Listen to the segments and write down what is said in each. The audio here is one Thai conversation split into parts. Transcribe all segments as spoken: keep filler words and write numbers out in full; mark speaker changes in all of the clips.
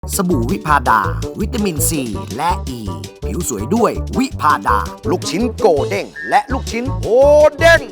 Speaker 1: สบู่วิพาดา วิตามินซีและอ e. ีผิวสวยด้วยวิพาดา ลูกชิ้นโกเด้งและลูกชิ้นโฮเด้ง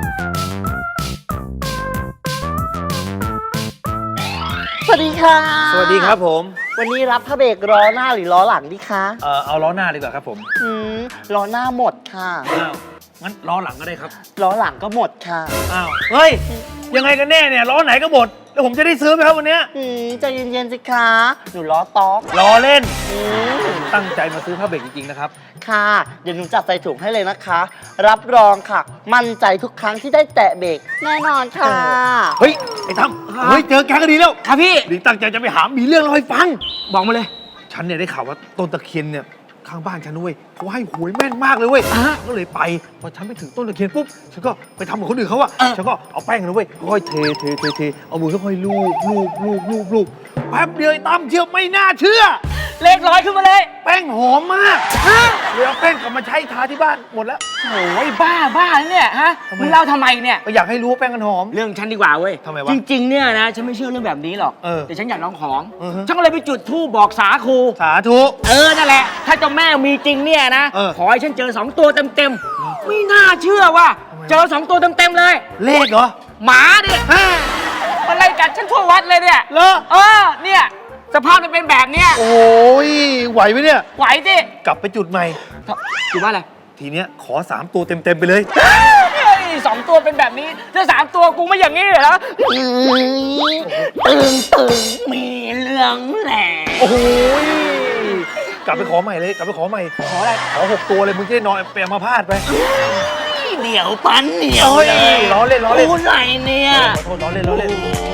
Speaker 2: สวัสดีค่ะ
Speaker 3: สวัสดีครับผม
Speaker 2: วันนี้รับพระเบรกล้อหน้าหรือล้อหลังดีคะ
Speaker 3: เอ่อเอาล้อหน้าดีกว่าครับผม
Speaker 2: อืมล้อหน้าหมดค่ะ
Speaker 3: อ้าวงั้นล้อหลังก็ได้ครับ
Speaker 2: ล้อหลังก็หมดค่ะ
Speaker 3: อ้าวเฮ้ยยังไงกันแน่เนี่ยล้อไหนก็หมดแล้วผมจะได้ซื้อไหมครับวันเนี้ย
Speaker 2: อืมใจเย็นๆสิคะหนูล้อต๊อก
Speaker 3: ล้อเล่น
Speaker 2: อืม
Speaker 3: ตั้งใจมาซื้อผ้าเบรกจริงๆนะครับ
Speaker 2: ค่ะ เดี๋ยวหนูจัดใส่ถุงให้เลยนะคะ รับรองค่ะ มั่นใจทุกครั้งที่ได้แตะเบรกแน่นอนค่ะ
Speaker 3: เฮ้ยไอ้ตั้มเฮ้ยเจอแกก็ดีแล้ว
Speaker 4: ครับพี่
Speaker 3: ดิตั้งใจจะไปหามีเรื่องเล่าให้ฟัง
Speaker 4: บอกมาเลย
Speaker 3: ฉันเนี่ยได้ข่าวว่าต้นตะเคียนเนี่ยข้างบ้านฉันด้วยเขาให้หวยแม่นมากเลยเว้ยก็เลยไปพอฉันไปถึงต้นตะเคียนปุ๊บฉันก็ไปทำเหมือนคนอื่นเขาอะฉันก็เอาแป้งนะเว้ยค่อยเทเทเทเทเอามือค่อยๆลูบลูบลูบลูบลูบแป๊บเดียวไอ้ตั้มเชื่อไม่น่าเชื่อ
Speaker 4: เลขร้อยขึ้นมาเลย
Speaker 3: แป้งหอมมากเลยเอาแป้งกลับมาใช้ทาที่บ้านหมดแล้ว
Speaker 4: โอ้ยบ้าบ้าเนี่ยฮะ
Speaker 3: ทำไม
Speaker 4: มึงเล่าทำไมเนี่ย
Speaker 3: ก็อยากให้รู้ว่าแป้งมันหอม
Speaker 4: เรื่องฉันดีกว่าเว้ย
Speaker 3: ทำไมวะ
Speaker 4: จริงๆเนี่ยนะฉันไม่เชื่อเรื่องแบบนี้หรอก
Speaker 3: เออ
Speaker 4: แต่ฉันอยากลองของ
Speaker 3: อือฮึ
Speaker 4: ฉันก็เลยไปจุดธูปบอกสาคู
Speaker 3: สาธุ
Speaker 4: เออนั่นแหละ ถ้าเจ้าแม่มีจริงเนี่ยนะ
Speaker 3: เออ
Speaker 4: ขอให้ฉันเจอสองตัวเต็มๆไม่น่าเชื่อว่า
Speaker 3: ทำไมวะ
Speaker 4: เจอสองตัวเต็มๆเลย
Speaker 3: เลขเหรอ
Speaker 4: หมาเนี่ยมันไล่กัดฉันทั่ววัดเลยเนี่ย
Speaker 3: เหรอ
Speaker 4: เออเนี่ยสภาพมันเป็นแบบเนี้ย
Speaker 3: โอ้ยไหวไหมเนี่ย
Speaker 4: ไหวสิ
Speaker 3: กลับไปจุดใหม่
Speaker 4: อยู่บ้านอะไร
Speaker 3: ทีเนี้ยขอสามตัวเต็มๆไปเลย
Speaker 4: เฮ้ยสองตัวเป็นแบบนี้ถ้าสามตัวกูไม่อย่างนี้เหรอตึงตึงมีเรื่องแหละ
Speaker 3: โอ้ยกลับไปขอใหม่เลยกลับไปขอใหม่
Speaker 4: ขออะไร
Speaker 3: ขอหกตัวเลยมึงจะได้นอนไปเอามาพาดไป
Speaker 4: เหนียวปันเหนียว
Speaker 3: โอ้ยล้อเล่นล้อเล่น
Speaker 4: กูไหนเนี่ย
Speaker 3: ขอโทษล้อเล่นล้อเล่น